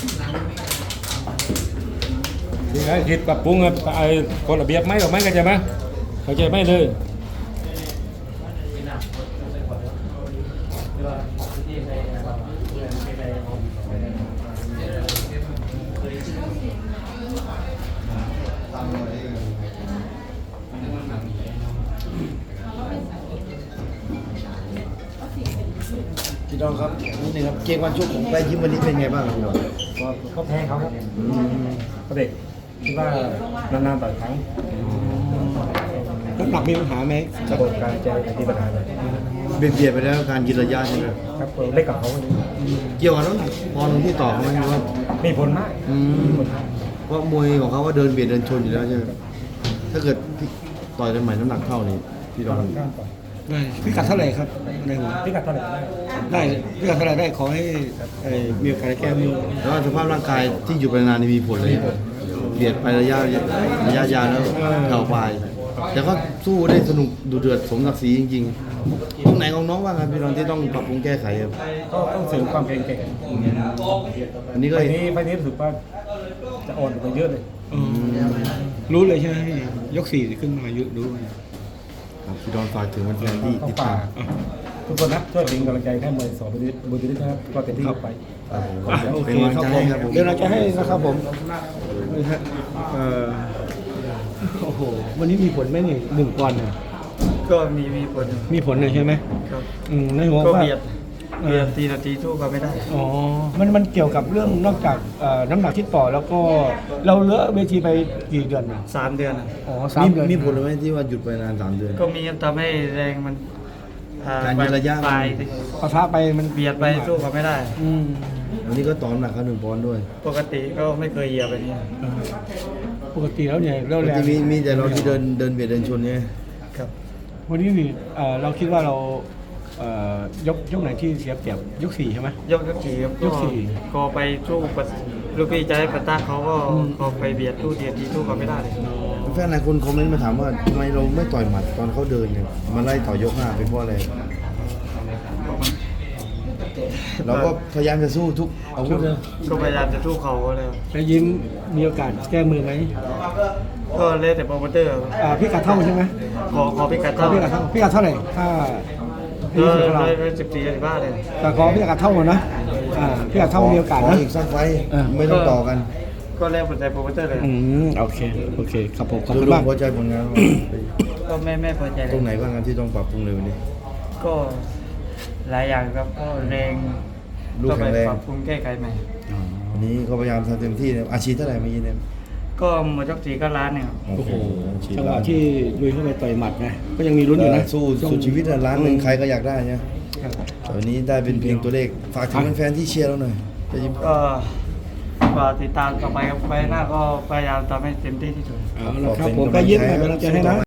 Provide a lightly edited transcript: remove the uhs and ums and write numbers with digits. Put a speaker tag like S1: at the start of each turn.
S1: นี่ไงคิดปรับปรุงไอ้กฎระเบียบไหมหรือไม่เข้าใจไหมเข้าใจไหมเลย
S2: พี่น้องครับนี่นึงครับเกมวันชกของไปยิ้มวันนี้เป็นไงบ้างครับพี่น้อง
S1: ก็แพ้เขาครับก็เด็กคิดว่านานๆต่อยครั้ง
S3: น้ำหนักมีปัญหาไหม
S1: กระบวนการเจอที่ปัญหาเลย
S2: เบียดไปแล้วการยืนระยะใช่ไหม
S1: ครับเล็กกับเขา
S2: เกี่ยวกับน้ำหนักปอนด์ที่ต่อเขาไหมครับ
S1: มีผลมาก
S2: เพราะมวยของเขาว่าเดินเบียดเดินชนอยู่แล้วใช่ไหมถ้าเกิดต่อยกันใหม่น้ำหนักเท่านี้พี่น้อง
S3: ได้พิกัดเท่าไหร่ครับในหัว
S1: พิกัดเท่าไหร่
S3: ได้พิกัดเท่าไหร่ได้ขอให้มีโอกาสได้แก้มือ
S2: แล้วสภาพร่างกายที่อยู่ไปนานนี่มีผลเลยเบียดไประยะยาวแล้วเข่าปลายแต่ก็สู้ได้สนุกดูเดือดสมศักดิ์ศรีจริงๆตรงไหนของน้องบ้างครับพี่น้องที่ต้องปรับปรุงแก้ไขครับ
S1: ก็ต้องเสริมความแข็งแกร่ง
S2: อันนี้ก็
S1: ไฟนี้รู้สึกว่าจะอ่อนไปเยอะเลย
S3: รู้เลยใช่ไหมพี่ยก4ขึ้นมาเยอะรู้
S2: ครับพี่ดอนฝากถึงแฟนๆที่ติดตาม
S1: ทุกคนนะช่วยเป็นกำลังใจให้มวยสอบบุรีนะครับก็เต็มที่ไป
S3: โอเค
S2: เป็นกำลัง
S3: ครับ
S2: ใจ
S3: ผม
S2: ให้ครับผม
S3: เดี๋ยวเราจะให้นะครับผมนี่ฮะโอ้โหวันนี้มีผลไหมนี่1 ปอนด์เนี่ย
S4: ก็มีผล
S3: มีผลเลยใช่ไหม
S4: ครับ
S3: ในหัว
S4: ก็
S3: ว่า
S4: เบียดทีนาทีสู้ก็ไม่ได้
S3: อ๋อมันเกี่ยวกับเรื่องนอกจากน้ำหนักที่ต่อแล้วก็เราเลือกเวทีไปกี่เดือนนะ
S4: 3 เดือนอะ
S3: อ๋อ3 เดือน
S2: มีผลไหมที่ว่าหยุดไปนาน3 เดือน
S4: ก็มีทำให้แรงมัน
S2: การยืนระยะ
S4: ไป
S3: ปะทะไปมัน
S4: เบียดไปสู้ก็ไม่ได้
S3: อืม
S2: วันนี้ก็ต่อน้ำหนักเขา1 ปอนด์ด้วย
S4: ปกติก็ไม่เคยเหยียบแบบนี้
S3: ปกติแล้วเนี่ยเรา
S2: ปก
S3: แรง
S2: ติมีแต่เราที่เดินเบียดเดินชนเนี่ย
S4: ครับ
S3: วันนี้นี่เราคิดว่าเรายกไหนที่เสียเปรียบยก4ใช่ไหม
S4: ยกขี่ครับ
S3: ยกสี่
S4: ก็ไปสู้กับลูกพี่จะให้ปะตะเขาก็ไปเบียดสู้ทีนาทีสู้ก็ไม่ได้เลย
S2: แฟนหลายคนคอมเมนต์มาถามว่าทำไมเราไม่ต่อยหมัดตอนเขาเดินเนี่ยมาไล่ต่อยก5เป็นเพราะอะไรเราก็พยายามจะสู้ทุกอาวุธนะ
S4: ก็พยายามจะสู้เขาเลย
S3: แล้วยิ้มมีโอกาสแก้มือไหม
S4: ก็เล่นแต่โปรโมเตอร์ครับ
S3: พิกัดเท่าใช่ไหม
S4: ขอพิกัด
S3: ขอ
S4: เท่า
S3: พิกัดเท่าพิกัดเท่าไหร่ถ้าพี่
S4: ก็
S3: สุดของเรา
S4: เลย14-15เลย
S3: แต่ขอพิกัดเท่าหมดนะพิกัดเท่ามีโอกาส
S2: ข
S3: นะ
S2: อีกสักไฟต์ไม่ต้องต่อกัน
S4: ก็เล่นแต่โปรโมเตอร์เลย
S3: โอเคครับผมขอบ
S2: ดู
S3: คุณ
S2: ดู
S3: มาก
S2: พอใจผลงาน
S4: ก็ไม่พอใจเล
S2: ตร
S4: ย
S2: งไหนบ้างครับที่ต้องปรับปรุงเลยวันนี้
S4: ก็หลายอย่างครับก็แรง
S2: ลูก
S4: ก็
S2: แข็
S4: ไป
S2: งแรง
S4: ปรับปรุงแก้ไขใหม่
S2: วันนี้ก็พยายามทำเต็มที่นะอาชีพเท่าไหร่เมื่อกี้เนี่ย
S4: ก็หมดยก4ก็ล้านเนี่ยครับ
S3: โอ้โห
S2: อาชีพ
S3: จังหวะที่ลุยเข้าไปต่อยหมัดไงก็ยังมีลุ้นอยู่นะ
S2: สู้สุดชีวิตอะล้านหนึ่งใครก็อยากได้เนี่ย
S3: ครับ
S2: แต่วันนี้ได้เป็นเพียงตัวเลขฝากถึงแฟนๆที่เชียร์เราหน่อยไปยิ้ม
S4: ก็ติดตามต่อไปครับไปหน้าก็พยายามทำให้เต็มที่ที่สุด
S3: เอาละครับผมก็ยิ้มให้กำลังใจให้นะ